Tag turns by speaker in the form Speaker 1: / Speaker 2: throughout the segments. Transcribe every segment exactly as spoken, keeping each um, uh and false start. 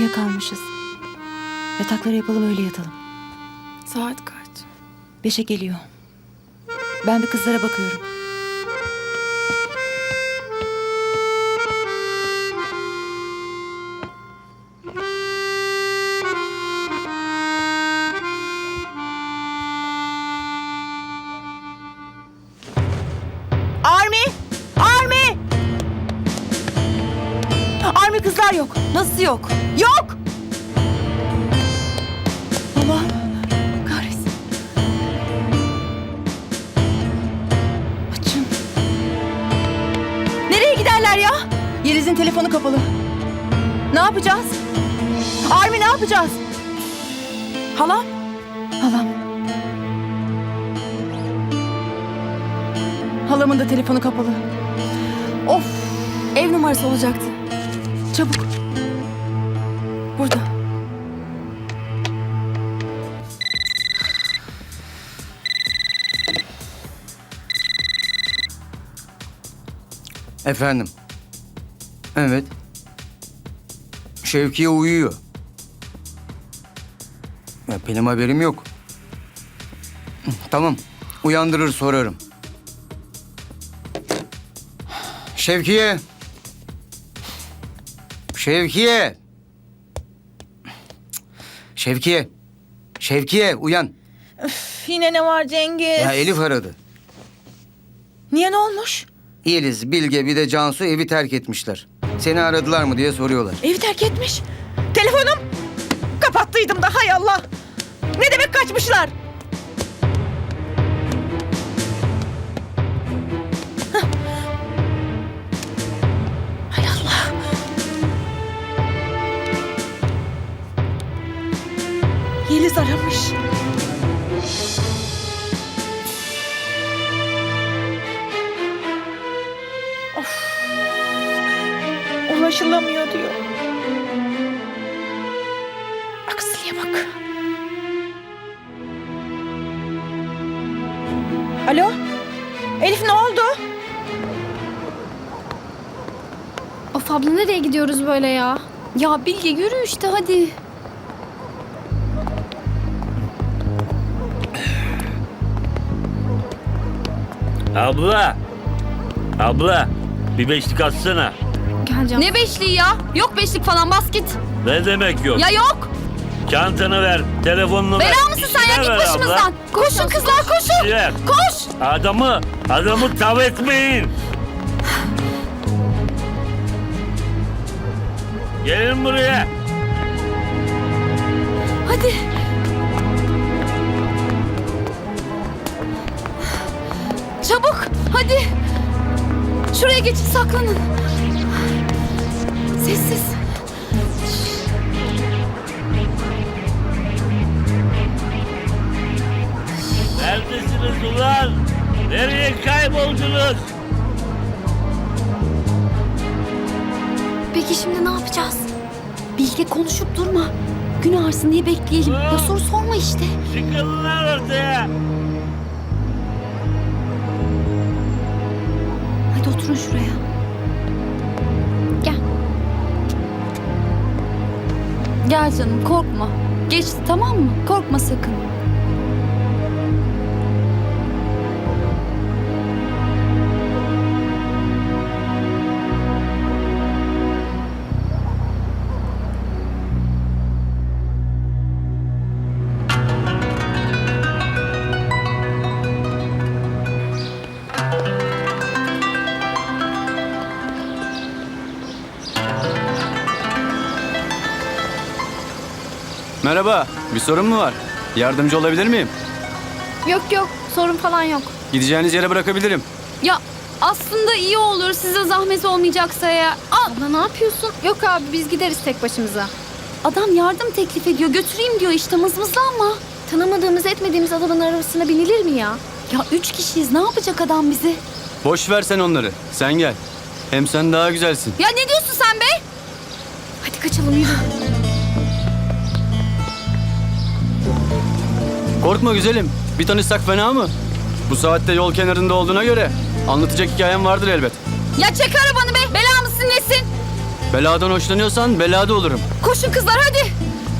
Speaker 1: uyuyakalmışız. Yatakları yapalım, öyle yatalım.
Speaker 2: Saat kaç?
Speaker 1: Beşe geliyor. Ben bir kızlara bakıyorum. Army! Army! Army, kızlar yok.
Speaker 2: Nasıl yok?
Speaker 1: Yok! Allah kahretsin. Açın. Nereye giderler ya? Yeliz'in telefonu kapalı. Ne yapacağız? Army, ne yapacağız? Halam? Halam. Halamın da telefonu kapalı. Of!
Speaker 2: Ev numarası olacaktı.
Speaker 1: Çabuk.
Speaker 2: Burada.
Speaker 3: Efendim. Evet. Şevkiye uyuyor. Ya benim haberim yok. Tamam. Uyandırır sorarım. Şevkiye. Şevkiye. Şevkiye. Şevkiye uyan.
Speaker 1: Üf, yine ne var Cengiz?
Speaker 3: Ya Elif aradı.
Speaker 1: Niye, ne olmuş?
Speaker 3: Yeliz, Bilge bir de Cansu evi terk etmişler. Seni aradılar mı diye soruyorlar.
Speaker 1: Evi terk etmiş. Telefonum. Kapattıydım da, hay Allah. Ne demek kaçmışlar? Hah. Hay Allah. Yeliz aramış. Of. Ulaşılamıyor diyor. Aksiliğe bak. Alo? Elif, ne oldu?
Speaker 4: Of abla, nereye gidiyoruz böyle ya? Ya Bilge, yürü işte hadi.
Speaker 5: Abla. Abla. Bir beşlik atsana.
Speaker 4: Geleceğim. Ne beşliği ya? Yok beşlik falan, bas git.
Speaker 5: Ne demek yok?
Speaker 4: Ya yok.
Speaker 5: Çantanı ver, telefonunu ver.
Speaker 4: Bela mısın sen ya?
Speaker 5: İşine
Speaker 4: Git
Speaker 5: ver
Speaker 4: başımızdan.
Speaker 5: abla.
Speaker 4: Koşun kızlar, koşun.
Speaker 5: İşine.
Speaker 4: Koş.
Speaker 5: Adamı, adamı tav etmeyin. Gelin buraya.
Speaker 4: Hadi. Çabuk, hadi. Şuraya geçin, saklanın. Sessiz.
Speaker 5: Neredesiniz ulan? Nereye kayboldunuz?
Speaker 4: Peki şimdi ne yapacağız? Bilge, konuşup durma. Gün ağırsın diye bekleyelim. Ya soru sorma işte.
Speaker 5: Çıkın lan ortaya.
Speaker 4: Hadi oturun şuraya. Gel. Gel canım, korkma. Geçti, tamam mı? Korkma sakın.
Speaker 6: Merhaba, bir sorun mu var? Yardımcı olabilir miyim?
Speaker 4: Yok yok, sorun falan yok.
Speaker 6: Gideceğiniz yere bırakabilirim.
Speaker 4: Ya aslında iyi olur, size zahmet olmayacaksa ya. Al. Abla ne yapıyorsun? Yok abi, biz gideriz tek başımıza. Adam yardım teklif ediyor, götüreyim diyor işte, mızmızlanma. Tanımadığımız etmediğimiz adamın arabasına binilir mi ya? Ya üç kişiyiz, ne yapacak adam bizi?
Speaker 6: Boş ver sen onları, sen gel. Hem sen daha güzelsin.
Speaker 4: Ya ne diyorsun sen be? Hadi kaçalım, yürü.
Speaker 6: Korkma güzelim, bir tanışsak fena mı? Bu saatte yol kenarında olduğuna göre anlatacak hikayem vardır elbet.
Speaker 4: Ya çek arabanı be, bela mısın nesin?
Speaker 6: Beladan hoşlanıyorsan belada olurum.
Speaker 1: Koşun kızlar hadi.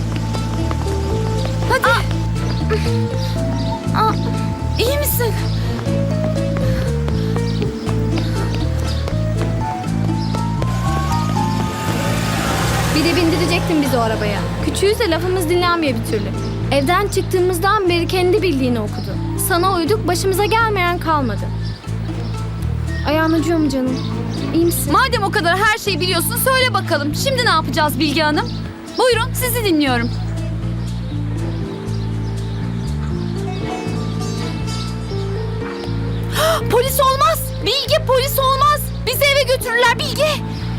Speaker 1: Hadi. Aa, iyi misin?
Speaker 4: Bir de bindirecektin bizi o arabaya. Küçüğüz de lafımız dinlenmiyor bir türlü. Evden çıktığımızdan beri kendi bildiğini okudu. Sana uyduk, başımıza gelmeyen kalmadı. Ayağın acıyor mu canım? İyi misin?
Speaker 1: Madem o kadar her şeyi biliyorsun söyle bakalım. Şimdi ne yapacağız Bilge Hanım? Buyurun sizi dinliyorum. Polis olmaz. Bilge polis olmaz. Bizi eve götürürler Bilge.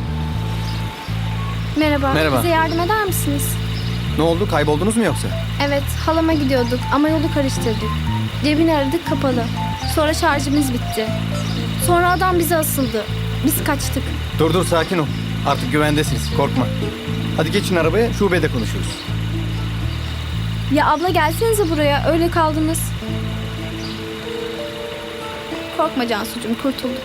Speaker 4: Merhaba.
Speaker 6: Merhaba.
Speaker 4: Bize yardım eder misiniz?
Speaker 7: Ne oldu? Kayboldunuz mu yoksa?
Speaker 4: Evet, halama gidiyorduk ama yolu karıştırdık. Cebini aradık, kapalı. Sonra şarjımız bitti. Sonra adam bize asıldı. Biz kaçtık.
Speaker 7: Dur dur sakin ol. Artık güvendesiniz. Korkma. Hadi geçin arabaya. Şubede konuşuruz.
Speaker 4: Ya abla gelsenize buraya, öyle kaldınız. Korkma Cansucuğum, kurtulduk.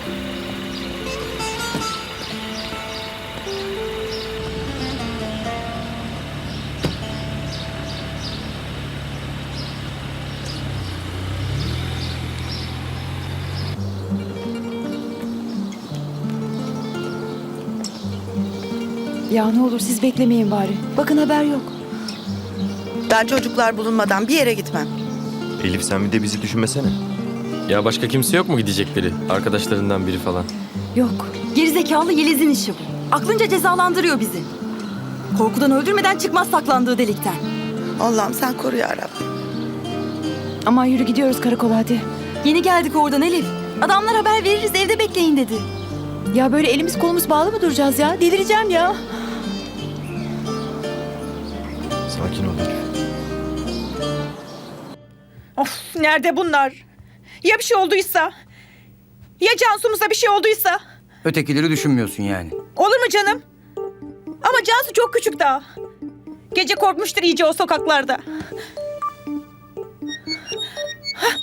Speaker 1: Ya ne olur siz beklemeyin bari. Bakın haber yok.
Speaker 8: Ben çocuklar bulunmadan bir yere gitmem.
Speaker 9: Elif sen bir de bizi düşünmesene.
Speaker 10: Ya başka kimse yok mu gidecekleri? Arkadaşlarından biri falan.
Speaker 1: Yok. Gerizekalı Yeliz'in işi bu. Aklınca cezalandırıyor bizi. Korkudan öldürmeden çıkmaz saklandığı delikten.
Speaker 8: Allah'ım sen koru ya Rabbim.
Speaker 1: Aman yürü gidiyoruz karakola hadi. Yeni geldik oradan Elif. Adamlar haber veririz evde bekleyin dedi. Ya böyle elimiz kolumuz bağlı mı duracağız ya? Delireceğim ya.
Speaker 9: Sakin ol Elif.
Speaker 11: Of nerede bunlar? Ya bir şey olduysa? Ya Cansu'muza bir şey olduysa?
Speaker 3: Ötekileri düşünmüyorsun yani.
Speaker 11: Olur mu canım? Ama Cansu çok küçük daha. Gece korkmuştur iyice o sokaklarda. Hah.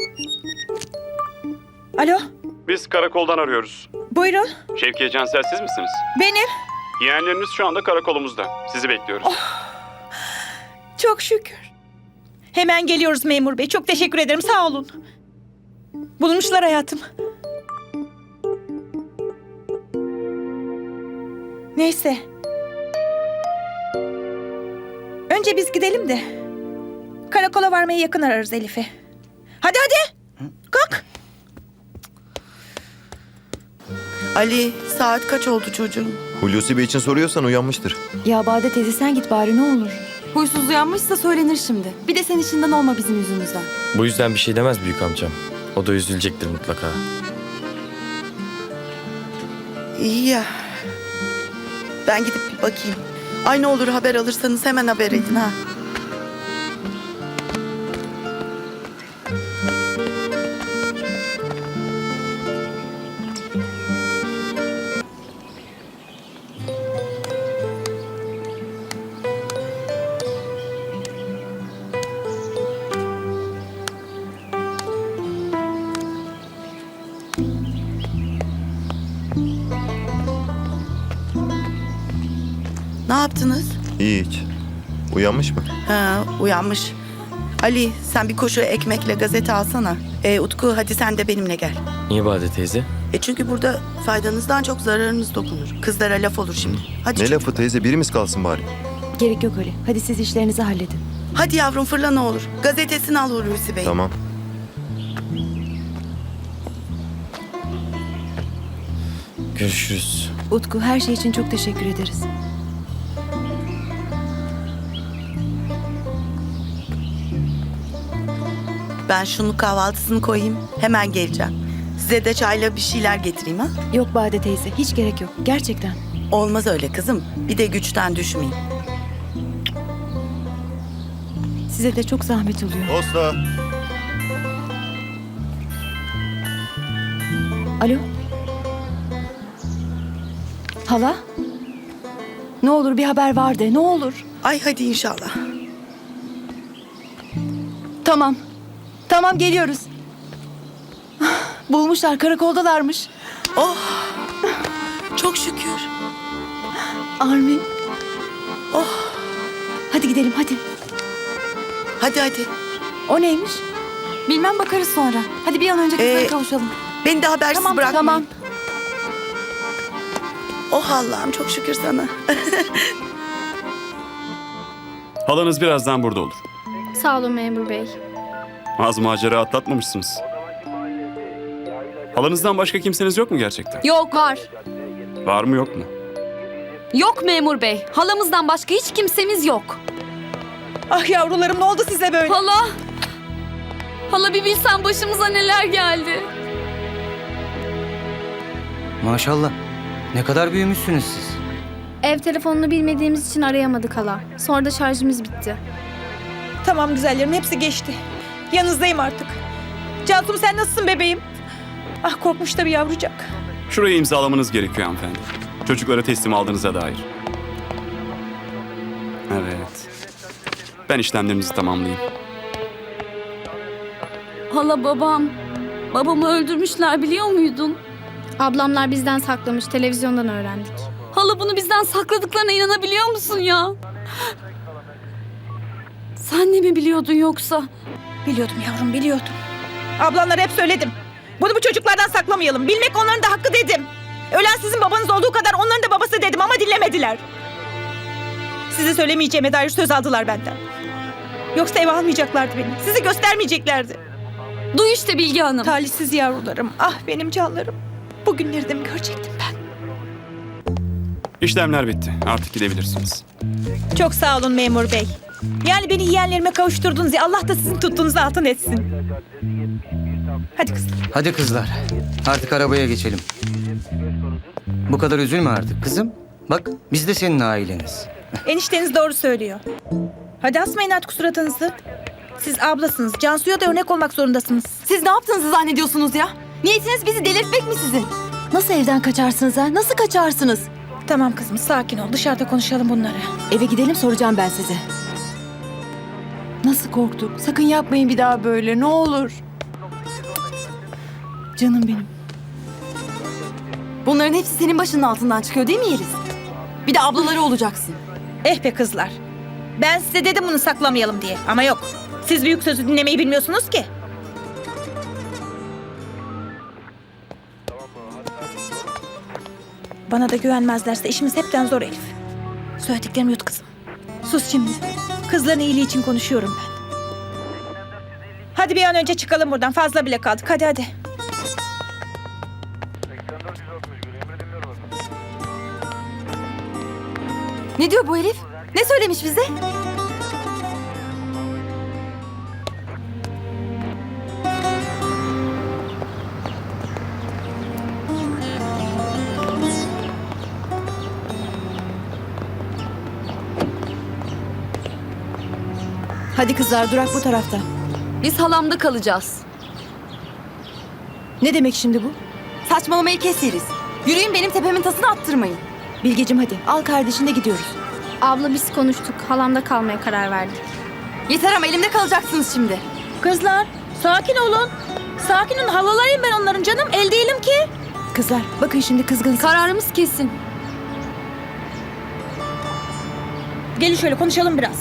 Speaker 11: Alo,
Speaker 12: Biz karakoldan arıyoruz.
Speaker 11: buyurun.
Speaker 12: Şevkiye Cansel siz misiniz?
Speaker 11: Benim.
Speaker 12: Yeğenleriniz şu anda karakolumuzda. Sizi bekliyoruz.
Speaker 11: Çok şükür. Hemen geliyoruz memur bey. Çok teşekkür ederim. Sağ olun. Bulmuşlar hayatım. Neyse. Önce biz gidelim de. Karakola varmaya yakın ararız Elif'i. Hadi hadi. Kalk.
Speaker 8: Ali saat kaç oldu çocuğum?
Speaker 9: Hulusi Bey için soruyorsan uyanmıştır.
Speaker 1: Ya Bade teyze sen git bari ne olur. Huysuz uyanmışsa söylenir şimdi. Bir de sen işinden olma bizim yüzümüzden.
Speaker 10: Bu yüzden bir şey demez büyük amcam. O da üzülecektir mutlaka.
Speaker 8: İyi ya. Ben gidip bir bakayım. Ay ne olur haber alırsanız hemen haber edin ha. Ne yaptınız?
Speaker 9: Hiç. Uyanmış mı?
Speaker 8: Ha, uyanmış. Ali sen bir koşu ekmekle gazete alsana. E, Utku hadi sen de benimle gel.
Speaker 10: Niye Bade teyze?
Speaker 8: E çünkü burada faydanızdan çok zararınız dokunur. Kızlara laf olur şimdi. Hadi
Speaker 9: Ne
Speaker 8: çocuğum.
Speaker 9: lafı teyze, birimiz kalsın bari.
Speaker 1: Gerek yok Ali. Hadi siz işlerinizi halledin.
Speaker 8: Hadi yavrum fırla ne olur. Gazetesini al Hulusi Bey.
Speaker 9: Tamam.
Speaker 10: Görüşürüz.
Speaker 1: Utku her şey için çok teşekkür ederiz.
Speaker 8: Ben şunu kahvaltısını koyayım. Hemen geleceğim. Size de çayla bir şeyler getireyim ha.
Speaker 1: Yok Bade teyze hiç gerek yok. Gerçekten.
Speaker 8: Olmaz öyle kızım. Bir de güçten düşmeyin.
Speaker 1: Size de çok zahmet oluyor.
Speaker 9: Posta.
Speaker 1: Alo? Hala? Ne olur bir haber var de ne olur.
Speaker 8: Ay hadi inşallah.
Speaker 1: Tamam. Tamam geliyoruz. Bulmuşlar karakoldalarmış.
Speaker 8: Oh! Çok şükür.
Speaker 1: Armin. Oh. Hadi gidelim hadi.
Speaker 8: Hadi hadi.
Speaker 1: O neymiş?
Speaker 2: Bilmem bakarız sonra. Hadi bir an önce kızlara
Speaker 8: Ee,
Speaker 2: kavuşalım.
Speaker 8: Beni de habersiz
Speaker 2: Tamam
Speaker 8: bırakmayın.
Speaker 2: tamam.
Speaker 8: Oh Allah'ım çok şükür sana.
Speaker 12: Halanız birazdan burada olur.
Speaker 4: Sağ olun memur bey.
Speaker 12: Az macera atlatmamışsınız. Halanızdan başka kimseniz yok mu gerçekten?
Speaker 4: Yok var.
Speaker 12: Var mı yok mu?
Speaker 4: Yok memur bey. Halamızdan başka hiç kimsemiz yok.
Speaker 11: Ah yavrularım ne oldu size böyle?
Speaker 4: Hala. Hala bir bilsen başımıza neler geldi.
Speaker 3: Maşallah. Ne kadar büyümüşsünüz siz.
Speaker 4: Ev telefonunu bilmediğimiz için arayamadık hala. Sonra da şarjımız bitti.
Speaker 11: Tamam güzellerim hepsi geçti. Yanınızdayım artık. Cansu'm sen nasılsın bebeğim? Ah korkmuş da bir yavrucak.
Speaker 12: Şurayı imzalamanız gerekiyor hanımefendi. Çocuklara teslim aldığınıza dair. Evet. Ben işlemlerinizi tamamlayayım.
Speaker 4: Hala babam. Babamı öldürmüşler biliyor muydun? Ablamlar bizden saklamış. Televizyondan öğrendik. Hala bunu bizden sakladıklarına inanabiliyor musun ya? Sen de mi biliyordun yoksa?
Speaker 11: Biliyordum yavrum biliyordum. Ablanlara hep söyledim. Bunu bu çocuklardan saklamayalım. Bilmek onların da hakkı dedim. Ölen sizin babanız olduğu kadar onların da babası dedim ama dinlemediler. Size söylemeyeceğime dair söz aldılar benden. Yoksa eve almayacaklardı beni. Sizi göstermeyeceklerdi.
Speaker 4: Duy işte Bilge Hanım.
Speaker 11: Talihsiz yavrularım. Ah benim canlarım. Bugünleri de mi görecektim ben?
Speaker 12: İşlemler bitti. Artık gidebilirsiniz.
Speaker 11: Çok sağ olun memur bey. Yani beni yeğenlerime kavuşturdunuz ya Allah da sizin tuttuğunuzu altın etsin. Hadi kızlar.
Speaker 3: Hadi kızlar. Artık arabaya geçelim. Bu kadar üzülme artık kızım. Bak biz de senin aileniz.
Speaker 11: Enişteniz doğru söylüyor. Hadi asmayın artık suratınızı. Siz ablasınız. Cansu'ya da örnek olmak zorundasınız.
Speaker 2: Siz ne yaptığınızı zannediyorsunuz ya? Niyetiniz bizi delirtmek mi sizin?
Speaker 1: Nasıl evden kaçarsınız ha? Nasıl kaçarsınız?
Speaker 11: Tamam kızım sakin ol. Dışarıda konuşalım bunları.
Speaker 1: Eve gidelim soracağım ben size. Nasıl korktuk? Sakın yapmayın bir daha böyle ne olur. Canım benim.
Speaker 2: Bunların hepsi senin başının altından çıkıyor değil mi Yeliz? Bir de ablaları olacaksın.
Speaker 11: Eh be kızlar. Ben size dedim bunu saklamayalım diye. Ama yok. Siz büyük sözü dinlemeyi bilmiyorsunuz ki. Bana da güvenmezlerse işimiz hepten zor Elif. Söylediklerimi yut kızım. Sus şimdi. Kızların iyiliği için konuşuyorum ben. Hadi bir an önce çıkalım buradan. Fazla bile kaldık. Hadi hadi.
Speaker 2: Ne diyor bu herif? Ne söylemiş bize?
Speaker 1: Hadi kızlar durak bu tarafta.
Speaker 4: Biz halamda kalacağız.
Speaker 1: Ne demek şimdi bu?
Speaker 2: Saçmalamayı kes Yeliz. Yürüyün benim tepemin tasını attırmayın.
Speaker 1: Bilgeciğim hadi al kardeşinle gidiyoruz.
Speaker 4: Abla biz konuştuk. Halamda kalmaya karar verdik.
Speaker 2: Yeter ama elimde kalacaksınız şimdi.
Speaker 11: Kızlar sakin olun. Sakin olun. Halalarıyım ben onların canım. El değilim ki.
Speaker 1: Kızlar bakın şimdi kızgınsınız.
Speaker 4: Kararımız kesin.
Speaker 11: Gelin şöyle konuşalım biraz.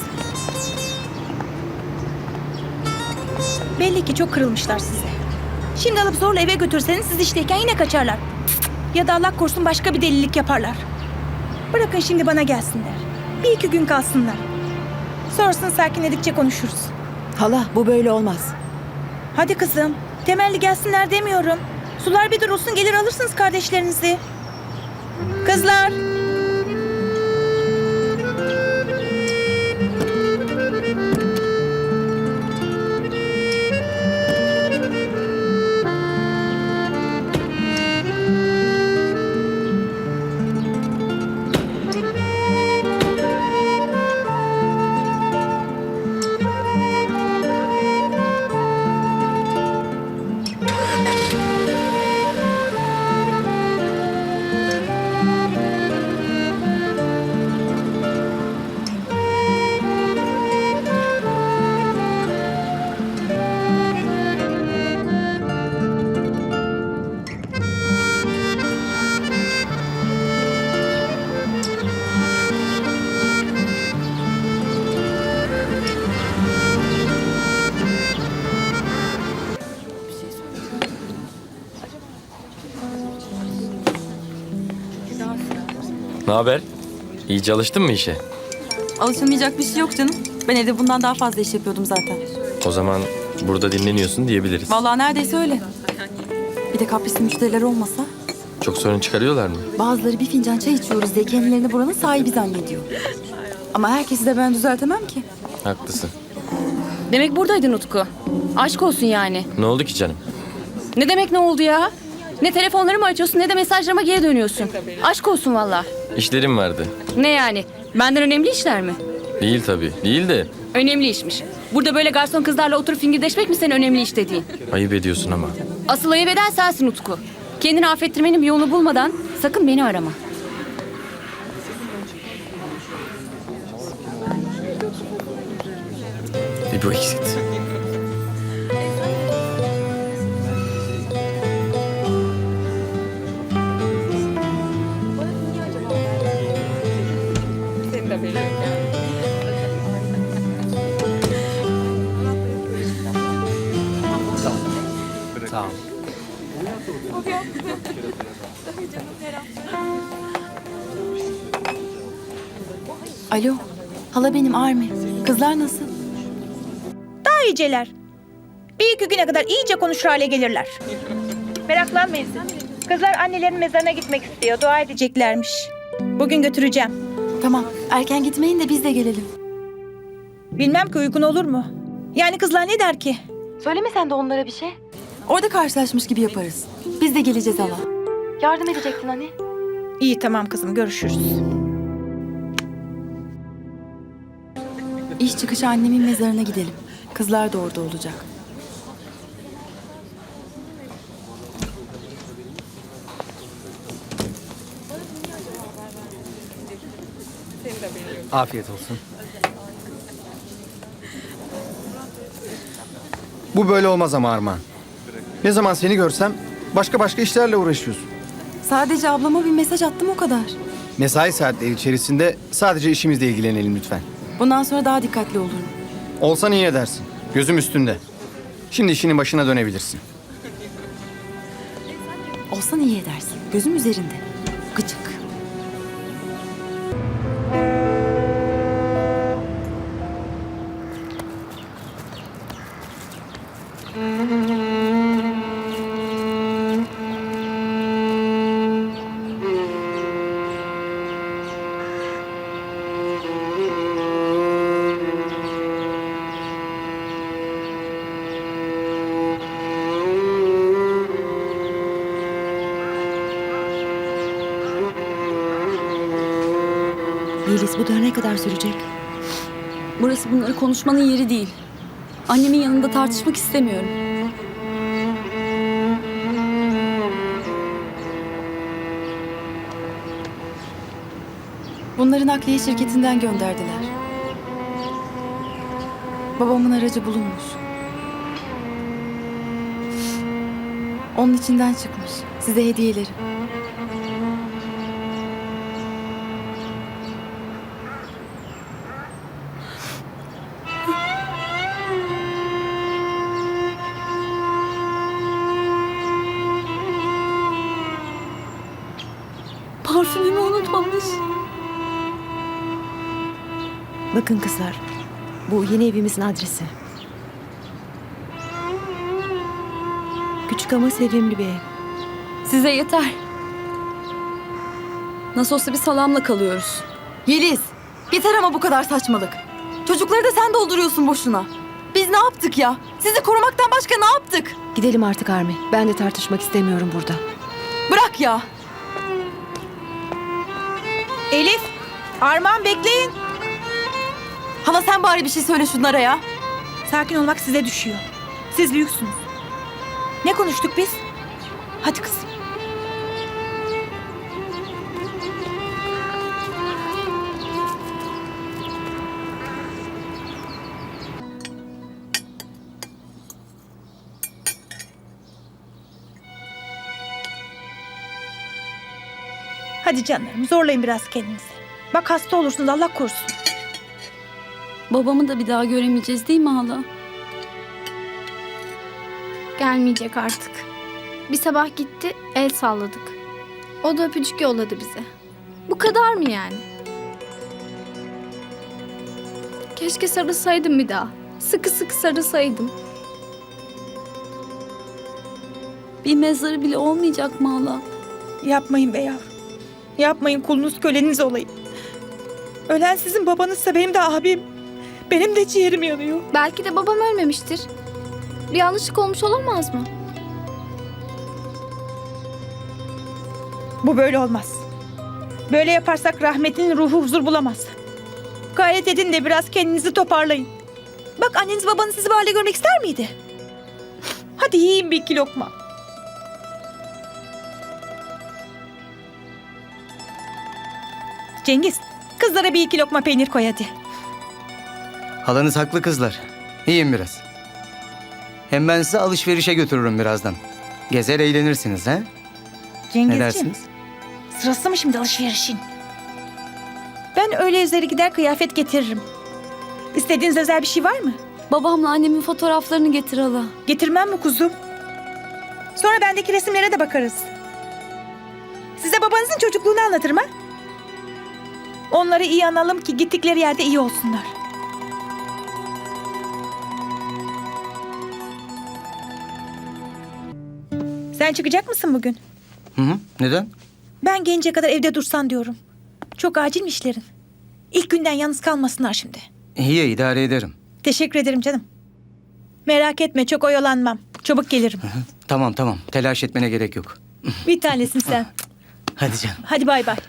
Speaker 11: Belli ki çok kırılmışlar size. Şimdi alıp zorla eve götürseniz siz işteyken yine kaçarlar. Ya da Allah korusun başka bir delilik yaparlar. Bırakın şimdi bana gelsinler. Bir iki gün kalsınlar. Sonrasını sakinledikçe konuşuruz.
Speaker 1: Hala bu böyle olmaz.
Speaker 11: Hadi kızım. Temelli gelsinler demiyorum. Sular bir durulsun gelir alırsınız kardeşlerinizi. Kızlar.
Speaker 10: Ne haber? İyi çalıştın mı işe?
Speaker 2: Alışılmayacak bir şey yok canım. Ben evde bundan daha fazla iş yapıyordum zaten.
Speaker 10: O zaman burada dinleniyorsun diyebiliriz.
Speaker 2: Vallahi neredeyse öyle. Bir de kaprisli müşteriler olmasa.
Speaker 10: Çok sorun çıkarıyorlar mı?
Speaker 2: Bazıları bir fincan çay içiyoruz diye kendilerini buranın sahibi zannediyor. Ama herkesi de ben düzeltemem ki.
Speaker 10: Haklısın.
Speaker 4: Demek buradaydın Utku. Aşk olsun yani.
Speaker 10: Ne oldu ki canım?
Speaker 4: Ne demek ne oldu ya? Ne telefonlarımı açıyorsun ne de mesajlarıma geri dönüyorsun. Aşk olsun valla.
Speaker 10: İşlerim vardı.
Speaker 4: Ne yani? Benden önemli işler mi?
Speaker 10: Değil tabii. Değil de
Speaker 4: Önemli işmiş. Burada böyle garson kızlarla oturup fingirdeşmek mi senin önemli iş dediğin?
Speaker 10: ayıp ediyorsun ama.
Speaker 4: Asıl ayıp eden sensin Utku. Kendini affettirmenin bir yolunu bulmadan sakın beni arama.
Speaker 10: Bir bu eksikti.
Speaker 7: Sağ ol.
Speaker 2: Alo. Hala benim Armi. Kızlar nasıl?
Speaker 11: Daha iyiceler. Bir iki güne kadar iyice konuşur hale gelirler. Meraklanmayın siz. Kızlar annelerin mezarına gitmek istiyor. Dua edeceklermiş. Bugün götüreceğim.
Speaker 2: Tamam. Erken gitmeyin de biz de gelelim.
Speaker 11: Bilmem ki uygun olur mu? Yani kızlar ne der ki?
Speaker 2: Söyleme sen de onlara bir şey. Orada karşılaşmış gibi yaparız. Biz de geleceğiz hala. Yardım edecektin hani.
Speaker 11: İyi tamam kızım görüşürüz.
Speaker 2: İş çıkışı annemin mezarına gidelim. Kızlar da orada olacak.
Speaker 7: Afiyet olsun. Bu böyle olmaz ama Armağan. Ne zaman seni görsem başka başka işlerle uğraşıyorsun.
Speaker 2: Sadece ablama bir mesaj attım o kadar.
Speaker 7: Mesai saatleri içerisinde sadece işimizle ilgilenelim lütfen.
Speaker 2: Bundan sonra daha dikkatli olurum.
Speaker 7: Olsan iyi edersin. Gözüm üstünde. Şimdi işinin başına dönebilirsin.
Speaker 2: Olsan iyi edersin. Gözüm üzerinde. Gıcık. Yeliz bu daha ne kadar sürecek?
Speaker 4: Burası bunları konuşmanın yeri değil. Annemin yanında tartışmak istemiyorum.
Speaker 2: Bunları nakliye şirketinden gönderdiler. Babamın aracı bulunmuş. Onun içinden çıkmış. Size hediyeleri.
Speaker 4: Parfümümü unutmamış.
Speaker 1: Bakın kızlar, bu yeni evimizin adresi. Küçük ama sevimli bir ev.
Speaker 4: Size yeter. Nasıl olsa bir salamla kalıyoruz.
Speaker 2: Yeliz, yeter ama bu kadar saçmalık. Çocukları da sen dolduruyorsun boşuna. Biz ne yaptık ya? Sizi korumaktan başka ne yaptık?
Speaker 1: Gidelim artık Armi. Ben de tartışmak istemiyorum burada.
Speaker 2: Bırak ya.
Speaker 11: Elif, Armağan bekleyin.
Speaker 2: Hala sen bari bir şey söyle şunlara ya.
Speaker 11: Sakin olmak size düşüyor. Siz büyüksünüz. Ne konuştuk biz? Hadi kızım. Hadi canlarım zorlayın biraz kendinizi. Bak hasta olursunuz Allah korusun.
Speaker 4: Babamı da bir daha göremeyeceğiz değil mi hala?
Speaker 13: Gelmeyecek artık. Bir sabah gitti, el salladık. O da öpücük yolladı bize.
Speaker 4: Bu kadar mı yani? Keşke sarılsaydım bir daha. Sıkı sıkı sarılsaydım.
Speaker 2: Bir mezarı bile olmayacak mı hala?
Speaker 11: Yapmayın be yavrum. Yapmayın, kulunuz köleniz olayım. Ölen sizin babanızsa benim de abim. Benim de ciğerim yanıyor.
Speaker 4: Belki de babam ölmemiştir. Bir yanlışlık olmuş olamaz mı?
Speaker 11: Bu böyle olmaz. Böyle yaparsak rahmetlinin ruhu huzur bulamaz. Gayret edin de biraz kendinizi toparlayın. Bak anneniz babanız sizi bu halde görmek ister miydi? Hadi yiyin bir iki lokma. Cengiz, kızlara bir iki lokma peynir koy hadi.
Speaker 3: Halanız haklı kızlar. Yiyin biraz. Hem ben sizi alışverişe götürürüm birazdan. Gezer eğlenirsiniz ha? Ne
Speaker 11: Cengizciğim,
Speaker 3: dersiniz?
Speaker 11: sırası mı şimdi alışverişin? Ben öyle üzeri gider kıyafet getiririm. İstediğiniz özel bir şey var mı?
Speaker 2: Babamla annemin fotoğraflarını getir hala.
Speaker 11: Getirmem mi kuzum? Sonra bendeki resimlere de bakarız. Size babanızın çocukluğunu anlatırım ha? Onları iyi analım ki gittikleri yerde iyi olsunlar. Sen çıkacak mısın bugün?
Speaker 3: Hı hı. Neden?
Speaker 11: Ben gelince kadar evde dursan diyorum. Çok acil mi işlerin? İlk günden yalnız kalmasınlar şimdi.
Speaker 3: İyi idare ederim.
Speaker 11: Teşekkür ederim canım. Merak etme, çok oyalanmam. Çabuk gelirim.
Speaker 3: Tamam tamam. Telaş etmene gerek yok.
Speaker 11: Bir tanesin sen.
Speaker 3: Hadi canım.
Speaker 11: Hadi bay bay.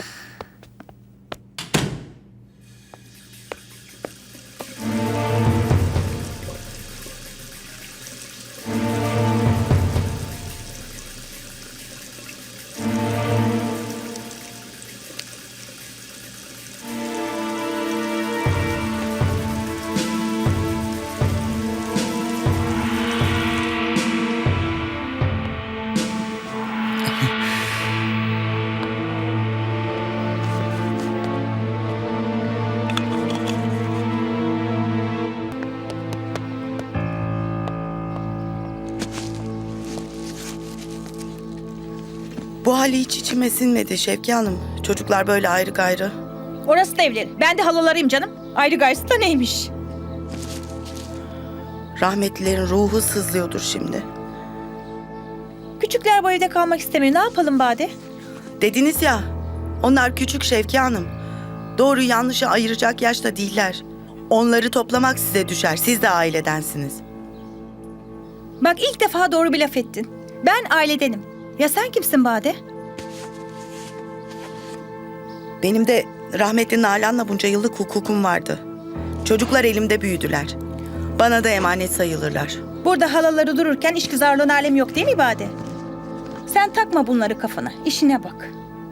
Speaker 8: Bu hali hiç içime sinmedi Şevki Hanım. Çocuklar böyle ayrı gayrı.
Speaker 11: Orası da evleri. Ben de halalarıyım canım. Ayrı gayrısı da neymiş?
Speaker 8: Rahmetlilerin ruhu sızlıyordur şimdi.
Speaker 11: Küçükler bu evde kalmak istemiyor. Ne yapalım Bade?
Speaker 8: Dediniz ya, onlar küçük Şevki Hanım. Doğru yanlışı ayıracak yaşta değiller. Onları toplamak size düşer. Siz de ailedensiniz.
Speaker 11: Bak ilk defa doğru bir laf ettin. Ben ailedenim. Ya sen kimsin Bade?
Speaker 8: Benim de rahmetli Nalan'la bunca yıllık hukukum vardı. Çocuklar elimde büyüdüler. Bana da emanet sayılırlar.
Speaker 11: Burada halaları dururken işgüzarlığın alemi yok değil mi Bade? Sen takma bunları kafana. İşine bak.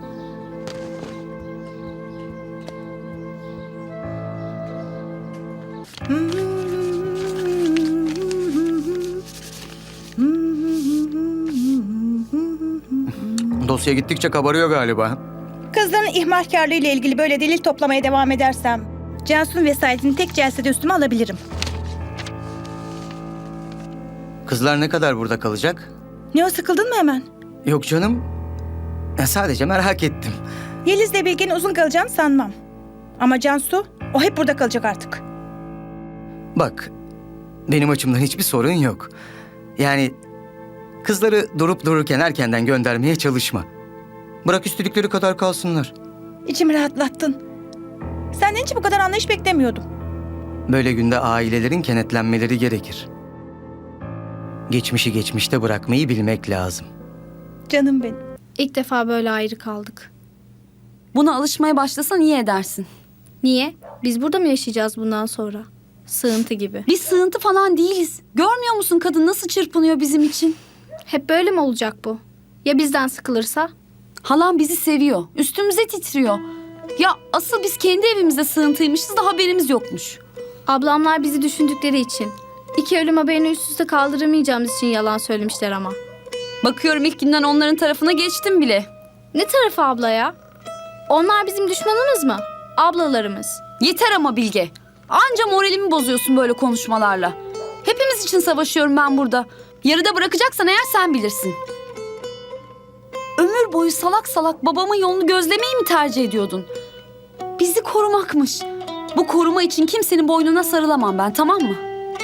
Speaker 3: Dosya gittikçe kabarıyor galiba.
Speaker 11: Kızların ihmalkarlığı ile ilgili böyle delil toplamaya devam edersem Cansu'nun vesayetini tek celsede üstüme alabilirim.
Speaker 3: Kızlar ne kadar burada kalacak?
Speaker 11: Ne o, sıkıldın mı hemen?
Speaker 3: Yok canım. Ya sadece merak ettim.
Speaker 11: Yeliz'le Bilge'nin uzun kalacağını sanmam. Ama Cansu, o hep burada kalacak artık.
Speaker 3: Bak, benim açımdan hiçbir sorun yok. Yani kızları durup dururken erkenden göndermeye çalışma. Bırak istedikleri kadar kalsınlar.
Speaker 11: İçimi rahatlattın. Senden hiç bu kadar anlayış beklemiyordum.
Speaker 3: Böyle günde ailelerin kenetlenmeleri gerekir. Geçmişi geçmişte bırakmayı bilmek lazım.
Speaker 11: Canım benim.
Speaker 4: İlk defa böyle ayrı kaldık.
Speaker 2: Buna alışmaya başlasan iyi edersin.
Speaker 4: Niye? Biz burada mı yaşayacağız bundan sonra? Sığıntı gibi.
Speaker 2: Biz sığıntı falan değiliz. Görmüyor musun kadın nasıl çırpınıyor bizim için?
Speaker 4: Hep böyle mi olacak bu? Ya bizden sıkılırsa?
Speaker 2: Halam bizi seviyor. Üstümüze titriyor. Ya asıl biz kendi evimizde sığıntıymışız da haberimiz yokmuş.
Speaker 4: Ablamlar bizi düşündükleri için. İki ölüm haberini üst üste kaldıramayacağımız için yalan söylemişler ama.
Speaker 2: Bakıyorum ilk günden onların tarafına geçtim bile.
Speaker 4: Ne tarafı abla ya? Onlar bizim düşmanımız mı? Ablalarımız.
Speaker 2: Yeter ama Bilge. Anca moralimi bozuyorsun böyle konuşmalarla. Hepimiz için savaşıyorum ben burada. Yarıda bırakacaksan eğer sen bilirsin.
Speaker 4: ömür boyu salak salak babamın yolunu gözlemeyi mi tercih ediyordun? Bizi korumakmış. Bu koruma için kimsenin boynuna sarılamam ben, tamam mı?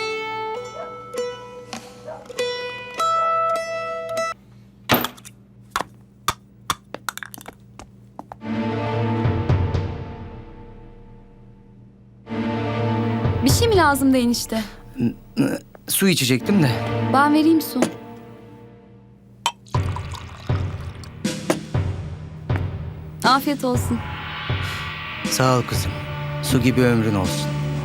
Speaker 4: Bir şey mi lazımdı enişte?
Speaker 3: Su içecektim de.
Speaker 4: Ben vereyim su. Afiyet olsun.
Speaker 3: Sağ ol kızım. Su gibi ömrün olsun.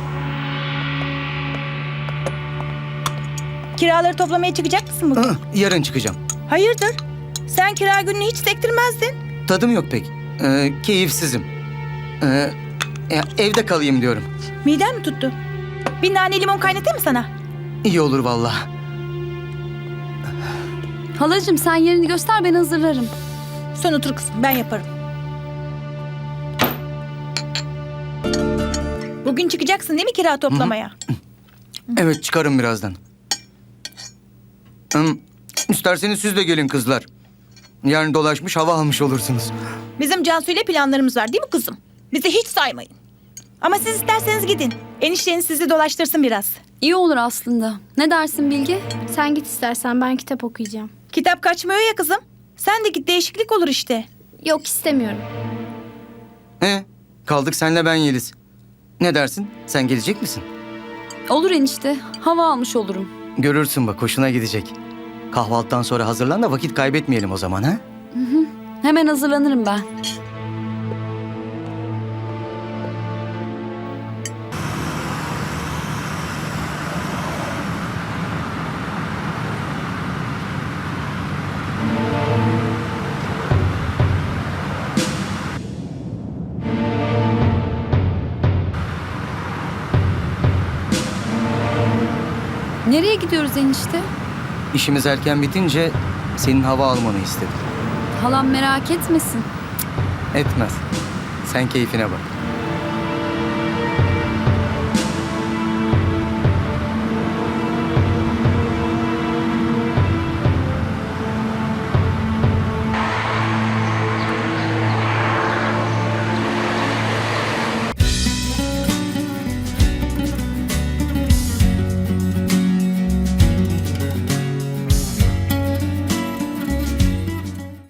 Speaker 11: Kiraları toplamaya çıkacak mısın bugün?
Speaker 3: Hı, yarın çıkacağım.
Speaker 11: Hayırdır? Sen kira gününü hiç sektirmezdin.
Speaker 3: Tadım yok pek. Ee, keyifsizim. Ee, ya evde kalayım diyorum.
Speaker 11: Miden mi tuttu? Bir nane limon kaynatayım mı sana?
Speaker 3: İyi olur vallahi.
Speaker 4: Halacığım sen yerini göster, ben hazırlarım.
Speaker 11: Sen otur kızım, ben yaparım. Bugün çıkacaksın değil mi kira toplamaya?
Speaker 3: Evet, çıkarım birazdan. Hım, isterseniz siz de gelin kızlar. Yarın dolaşmış hava almış olursunuz.
Speaker 11: Bizim Cansu ile planlarımız var değil mi kızım? Bizi hiç saymayın. Ama siz isterseniz gidin. Enişteniz sizi dolaştırsın biraz.
Speaker 4: İyi olur aslında. Ne dersin Bilge?
Speaker 2: Sen git istersen, ben kitap okuyacağım.
Speaker 11: Kitap kaçmıyor ya kızım. Sen de git, değişiklik olur işte.
Speaker 2: Yok, istemiyorum.
Speaker 3: He, kaldık senle ben Yeliz. Ne dersin? Sen gelecek misin?
Speaker 4: Olur enişte. Hava almış olurum.
Speaker 3: Görürsün bak, hoşuna gidecek. Kahvaltıdan sonra hazırlan da vakit kaybetmeyelim o zaman, ha?
Speaker 4: Hemen hazırlanırım ben. Nereye gidiyoruz enişte?
Speaker 3: İşimiz erken bitince senin hava almanı istedim.
Speaker 4: Halam merak etmesin.
Speaker 3: Etmez. Sen keyfine bak.